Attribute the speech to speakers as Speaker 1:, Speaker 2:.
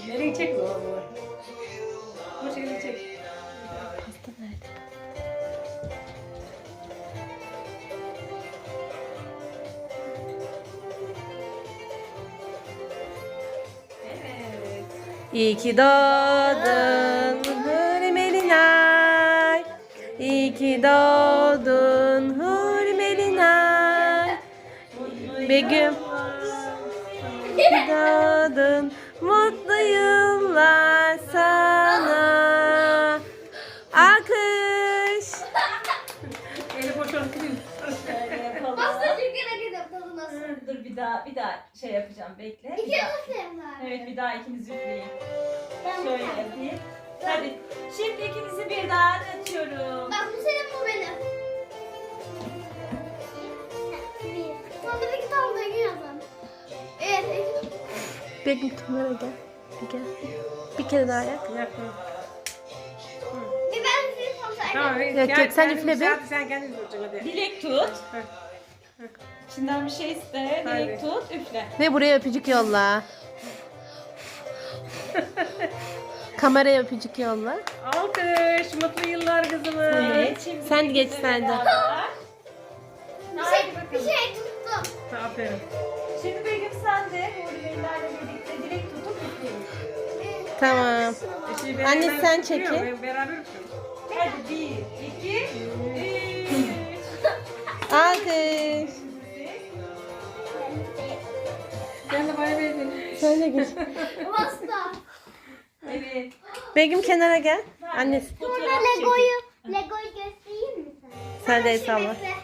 Speaker 1: Nereye çek o? Bu şekilde çek.
Speaker 2: Pasta nerede?
Speaker 1: Evet.
Speaker 2: İyi ki doğdun Hürmelinay. İyi ki doğdun Hürmelinay. Begüm. İyi ki doğdun. Mutlu yıllar sana. Alkış.
Speaker 1: Eli boş olup gidiyor.
Speaker 3: Şöyle yapalım.
Speaker 4: Pasta çünkü hareket yapmadı nasıl?
Speaker 3: Dur bir daha şey yapacağım bekle.
Speaker 4: İki
Speaker 3: Bir daha.
Speaker 4: nasıl var?
Speaker 3: Evet bir daha ikiniz üfleyin.
Speaker 4: Ben
Speaker 3: Şöyle yapayım. Hadi. Şimdi ikinizi birden açıyorum.
Speaker 4: Bak bu senin bu benim. Sonra bir iki tane daha yazalım. Evet.
Speaker 2: Begüm kamera gel. Bir gel. Bir kere daha yap.
Speaker 1: Yakın.
Speaker 4: Bir ben size sonra.
Speaker 1: Tamam.
Speaker 2: Yok, sen üfle bir.
Speaker 1: Sen kendin tutacaksın hadi.
Speaker 3: Dilek tut.
Speaker 1: Heh.
Speaker 3: İçinden bir şey iste. Dilek
Speaker 1: Hadi.
Speaker 3: tut. Üfle.
Speaker 2: Ve buraya öpücük yolla. Kameraya öpücük yolla.
Speaker 1: Alkış. Mutlu yıllar kızımız.
Speaker 3: Evet. Şimdi
Speaker 2: Sen geç
Speaker 3: ikiniz de
Speaker 2: sen de.
Speaker 3: beraber.
Speaker 4: Bir şey tuttum.
Speaker 1: Aferin.
Speaker 3: Şimdi Begüm sen de Huriyelerle birlikte dilek tutup üfleyin.
Speaker 2: Tamam.
Speaker 1: Şey,
Speaker 2: Anne,
Speaker 1: beraber
Speaker 2: sen
Speaker 1: tutuyor,
Speaker 2: çekil.
Speaker 1: Beraber tutuyoruz.
Speaker 3: Hadi 1, 2, 3.
Speaker 2: Alkış.
Speaker 1: Gel de bay bay.
Speaker 2: Sen de geç.
Speaker 4: Pasta.
Speaker 3: Evet.
Speaker 2: Begüm kenara gel. Annesi.
Speaker 3: Fotoğraf
Speaker 4: Burada
Speaker 3: çekin.
Speaker 4: Lego'yu göstereyim mi sana?
Speaker 2: Sen de el
Speaker 4: Şu
Speaker 2: salla.
Speaker 4: bekle.